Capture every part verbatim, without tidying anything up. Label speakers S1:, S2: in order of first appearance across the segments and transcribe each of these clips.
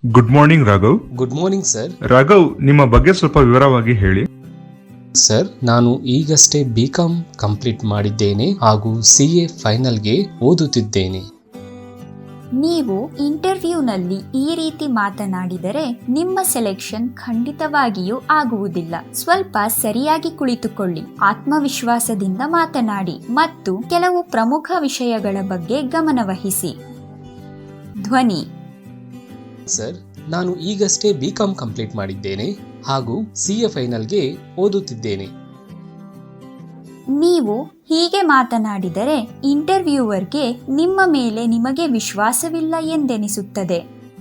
S1: Good morning Raghav.
S2: Good morning sir.
S1: Raghav, ನಿಮ್ಮ ಬಗ್ಗೆ ಸ್ವಲ್ಪ ವಿವರವಾಗಿ ಹೇಳಿ.
S2: ಸರ್, ನಾನು ಈಗಷ್ಟೇ ಬಿ ಕಾಮ್ ಕಂಪ್ಲೀಟ್ ಮಾಡಿದ್ದೇನೆ ಹಾಗೂ ಸಿ ಎ ಫೈನಲ್ಗೆ ಓದುತ್ತಿದ್ದೇನೆ.
S3: ನೀವು ಇಂಟರ್ವ್ಯೂನಲ್ಲಿ ಈ ರೀತಿ ಮಾತನಾಡಿದರೆ ನಿಮ್ಮ ಸೆಲೆಕ್ಷನ್ ಖಂಡಿತವಾಗಿಯೂ ಆಗುವುದಿಲ್ಲ. ಸ್ವಲ್ಪ ಸರಿಯಾಗಿ ಕುಳಿತುಕೊಳ್ಳಿ, ಆತ್ಮವಿಶ್ವಾಸದಿಂದ ಮಾತನಾಡಿ ಮತ್ತು ಕೆಲವು ಪ್ರಮುಖ ವಿಷಯಗಳ ಬಗ್ಗೆ ಗಮನವಹಿಸಿ. ಧ್ವನಿ.
S2: ಸರ್, ನಾನು ಈಗಷ್ಟೇ ಬಿ ಕಾಮ್ ಕಂಪ್ಲೀಟ್ ಮಾಡಿದ್ದೇನೆ ಹಾಗೂ ಸಿ ಎ ಫೈನಲ್ಗೆ ಓದುತ್ತಿದ್ದೇನೆ.
S3: ನೀವು ಹೀಗೆ ಮಾತನಾಡಿದರೆ ಇಂಟರ್ವ್ಯೂವರ್ಗೆ ನಿಮ್ಮ ಮೇಲೆ ನಿಮಗೆ ವಿಶ್ವಾಸವಿಲ್ಲ ಎಂದೆನಿಸುತ್ತದೆ.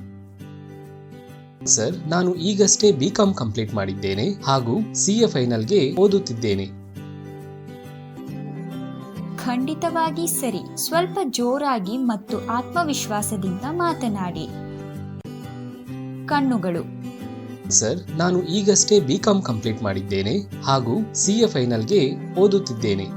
S2: ಸರ್, ನಾನು ಈಗಷ್ಟೇ ಬಿ ಕಾಮ್ ಕಂಪ್ಲೀಟ್ ಮಾಡಿದ್ದೇನೆ ಹಾಗೂ ಸಿ ಎ ಫೈನಲ್ಗೆ ಓದುತ್ತಿದ್ದೇನೆ.
S3: ಖಂಡಿತವಾಗಿ ಸರಿ. ಸ್ವಲ್ಪ ಜೋರಾಗಿ ಮತ್ತು ಆತ್ಮವಿಶ್ವಾಸದಿಂದ ಮಾತನಾಡಿ. ಕಣ್ಣುಗಳು.
S2: ಸರ್, ನಾನು ಈಗಷ್ಟೇ ಬಿ ಕಾಮ್ ಕಂಪ್ಲೀಟ್ ಮಾಡಿದ್ದೇನೆ ಹಾಗೂ ಸಿ ಎ ಫೈನಲ್ಗೆ ಓದುತ್ತಿದ್ದೇನೆ.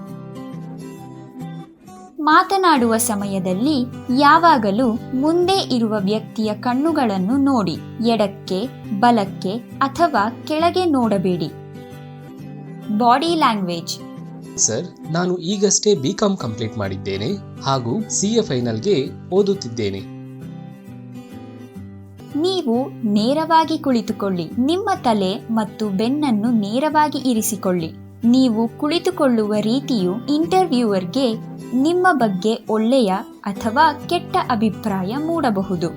S3: ಮಾತನಾಡುವ ಸಮಯದಲ್ಲಿ ಯಾವಾಗಲೂ ಮುಂದೆ ಇರುವ ವ್ಯಕ್ತಿಯ ಕಣ್ಣುಗಳನ್ನು ನೋಡಿ. ಎಡಕ್ಕೆ, ಬಲಕ್ಕೆ ಅಥವಾ ಕೆಳಗೆ ನೋಡಬೇಡಿ. Body language.
S2: ಸರ್, ನಾನು ಈಗಷ್ಟೇ ಬಿ ಕಾಮ್ ಕಂಪ್ಲೀಟ್ ಮಾಡಿದ್ದೇನೆ ಹಾಗೂ ಸಿ ಎ ಫೈನಲ್ಗೆ ಓದುತ್ತಿದ್ದೇನೆ.
S3: ನೀವು ನೇರವಾಗಿ ಕುಳಿತುಕೊಳ್ಳಿ. ನಿಮ್ಮ ತಲೆ ಮತ್ತು ಬೆನ್ನನ್ನು ನೇರವಾಗಿ ಇರಿಸಿಕೊಳ್ಳಿ. ನೀವು ಕುಳಿತುಕೊಳ್ಳುವ ರೀತಿಯು ಇಂಟರ್ವ್ಯೂವರ್ಗೆ ನಿಮ್ಮ ಬಗ್ಗೆ ಒಳ್ಳೆಯ ಅಥವಾ ಕೆಟ್ಟ ಅಭಿಪ್ರಾಯ ಮೂಡಬಹುದು.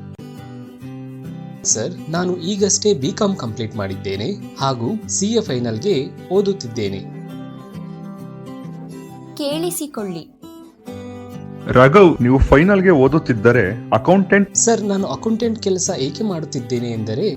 S2: ಸರ್, ನಾನು ಈಗಷ್ಟೇ ಬಿ ಕಾಮ್ ಕಂಪ್ಲೀಟ್ ಮಾಡಿದ್ದೇನೆ ಹಾಗೂ ಸಿ ಎ ಫೈನಲ್ಗೆ ಓದುತ್ತಿದ್ದೇನೆ.
S3: ಕೇಳಿಸಿಕೊಳ್ಳಿ.
S1: ರಾಘವ್, ನೀವು ಫೈನಲ್ಗೆ ಓದುತ್ತಿದ್ದರೆ ಅಕೌಂಟೆಂಟ್.
S2: ಸರ್, ನಾನು ಅಕೌಂಟೆಂಟ್ ಕೆಲಸ ಏಕೆ ಮಾಡುತ್ತಿದ್ದೇನೆ ಎಂದರೆ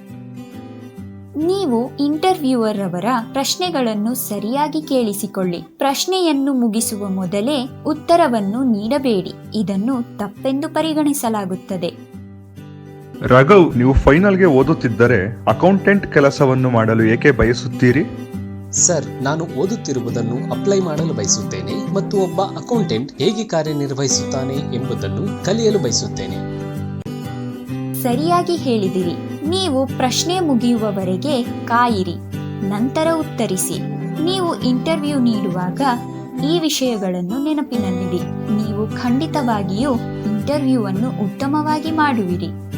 S3: ನೀವು ಇಂಟರ್ವ್ಯೂವರ್ ಅವರ ಪ್ರಶ್ನೆಗಳನ್ನು ಸರಿಯಾಗಿ ಕೇಳಿಸಿಕೊಳ್ಳಿ. ಪ್ರಶ್ನೆಯನ್ನು ಮುಗಿಸುವ ಮೊದಲೇ ಉತ್ತರವನ್ನು ನೀಡಬೇಡಿ. ಇದನ್ನು ತಪ್ಪೆಂದು ಪರಿಗಣಿಸಲಾಗುತ್ತದೆ.
S1: ರಾಘವ್, ನೀವು ಫೈನಲ್ಗೆ ಓದುತ್ತಿದ್ದರೆ ಅಕೌಂಟೆಂಟ್ ಕೆಲಸವನ್ನು ಮಾಡಲು ಏಕೆ ಬಯಸುತ್ತೀರಿ?
S2: ಸರ್, ನಾನು ಓದುತ್ತಿರುವುದನ್ನು ಅಪ್ಲೈ ಮಾಡಲು ಬಯಸುತ್ತೇನೆ ಮತ್ತು ಒಬ್ಬ ಅಕೌಂಟೆಂಟ್ ಹೇಗೆ ಕಾರ್ಯನಿರ್ವಹಿಸುತ್ತಾನೆ ಎಂಬುದನ್ನು ಕಲಿಯಲು ಬಯಸುತ್ತೇನೆ.
S3: ಸರಿಯಾಗಿ ಹೇಳಿದಿರಿ. ನೀವು ಪ್ರಶ್ನೆ ಮುಗಿಯುವವರೆಗೆ ಕಾಯಿರಿ, ನಂತರ ಉತ್ತರಿಸಿ. ನೀವು ಇಂಟರ್ವ್ಯೂ ನೀಡುವಾಗ ಈ ವಿಷಯಗಳನ್ನು ನೆನಪಿನಲ್ಲಿಡಿ. ನೀವು ಖಂಡಿತವಾಗಿಯೂ ಇಂಟರ್ವ್ಯೂ ಅನ್ನು ಉತ್ತಮವಾಗಿ ಮಾಡುವಿರಿ.